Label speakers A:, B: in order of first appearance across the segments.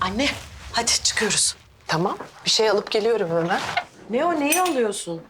A: Anne, hadi çıkıyoruz.
B: Tamam, bir şey alıp geliyorum hemen.
A: Ne o, neyi alıyorsun?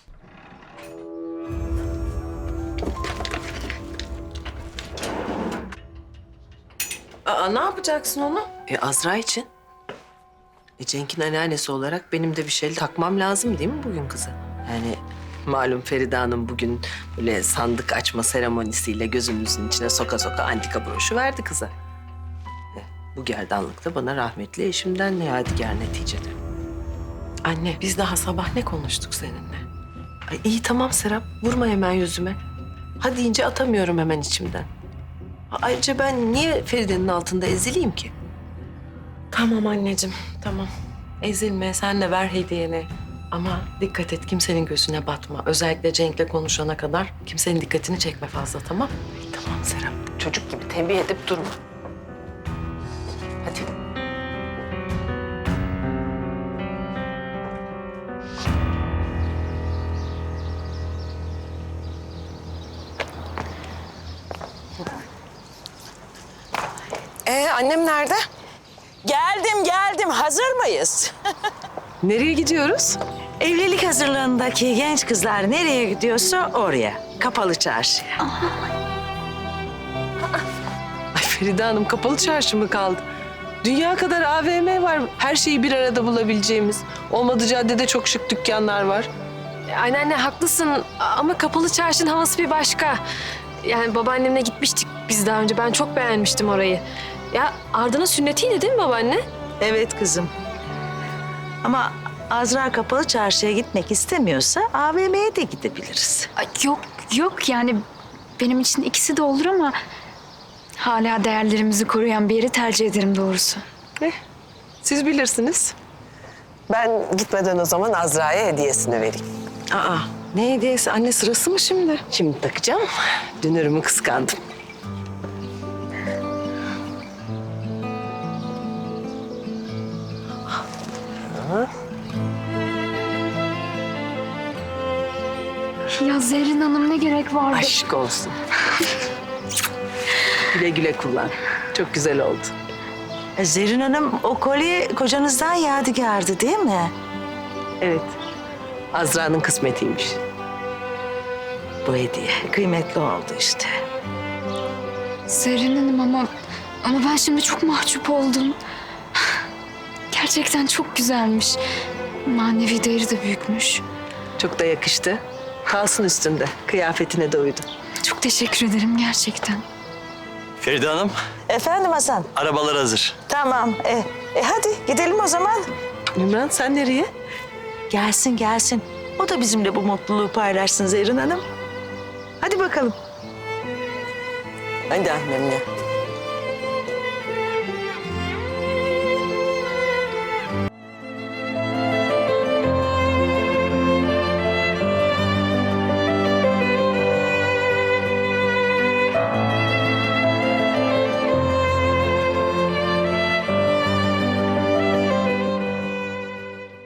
A: Aa, ne yapacaksın onu?
B: Azra için. Cenk'in anneannesi olarak benim de bir şey takmam lazım değil mi bugün kıza? Yani malum Feride Hanım bugün böyle sandık açma seremonisiyle gözümüzün içine soka soka antika broşu verdi kıza. Bu gerdanlık da bana rahmetli eşimden ne yadigar neticede.
A: Anne, biz daha sabah ne konuştuk seninle?
B: Ay iyi tamam Serap, vurma hemen yüzüme. Hadi deyince atamıyorum hemen içimden. Ayrıca ben niye Feride'nin altında ezileyim ki?
A: Tamam anneciğim, tamam. Ezilme, sen de ver hediyeni. Ama dikkat et, kimsenin gözüne batma. Özellikle Cenk'le konuşana kadar kimsenin dikkatini çekme fazla, tamam?
B: Tamam Serap, çocuk gibi tembih edip durma. Hadi. Annem nerede?
C: Geldim. Hazır mıyız?
B: Nereye gidiyoruz?
C: Evlilik hazırlığındaki genç kızlar nereye gidiyorsa oraya. Kapalı çarşıya.
B: Ay Feride Hanım, kapalı çarşı mı kaldı? Dünya kadar AVM var. Her şeyi bir arada bulabileceğimiz. Olmadı caddede çok şık dükkanlar var.
D: Anneanne haklısın ama kapalı çarşının havası bir başka. Yani babaannemle gitmiştik biz daha önce. Ben çok beğenmiştim orayı. Ya Arda'nın sünnetiydi değil mi babaanne?
C: Evet kızım. Ama Azra kapalı çarşıya gitmek istemiyorsa AVM'ye de gidebiliriz.
E: Ay, yok yani benim için ikisi de olur ama hala değerlerimizi koruyan bir yeri tercih ederim doğrusu.
B: Siz bilirsiniz. Ben gitmeden o zaman Azra'ya hediyesini vereyim.
A: Aa, ne hediyesi? Anne, sırası mı şimdi?
B: Şimdi takacağım. Dünürümü kıskandım.
E: Ya Zerrin Hanım ne gerek vardı?
B: Aşk olsun. Güle güle kullan. Çok güzel oldu.
C: Zerrin Hanım, o kolye kocanızdan yadigardı değil mi?
B: Evet. Azra'nın kısmetiymiş.
C: Bu hediye kıymetli oldu işte.
E: Zerrin Hanım ama ben şimdi çok mahcup oldum. Gerçekten çok güzelmiş. Manevi değeri de büyükmüş.
B: Çok da yakıştı. Kalsın üstünde. Kıyafetine de uydu.
E: Çok teşekkür ederim gerçekten.
F: Feride Hanım,
C: Efendim Hasan?
F: arabalar hazır.
C: Tamam. Hadi gidelim o zaman.
B: Ümran sen nereye?
C: Gelsin. O da bizimle bu mutluluğu paylaşsın Zerrin Hanım. Hadi bakalım.
B: Hadi annemle.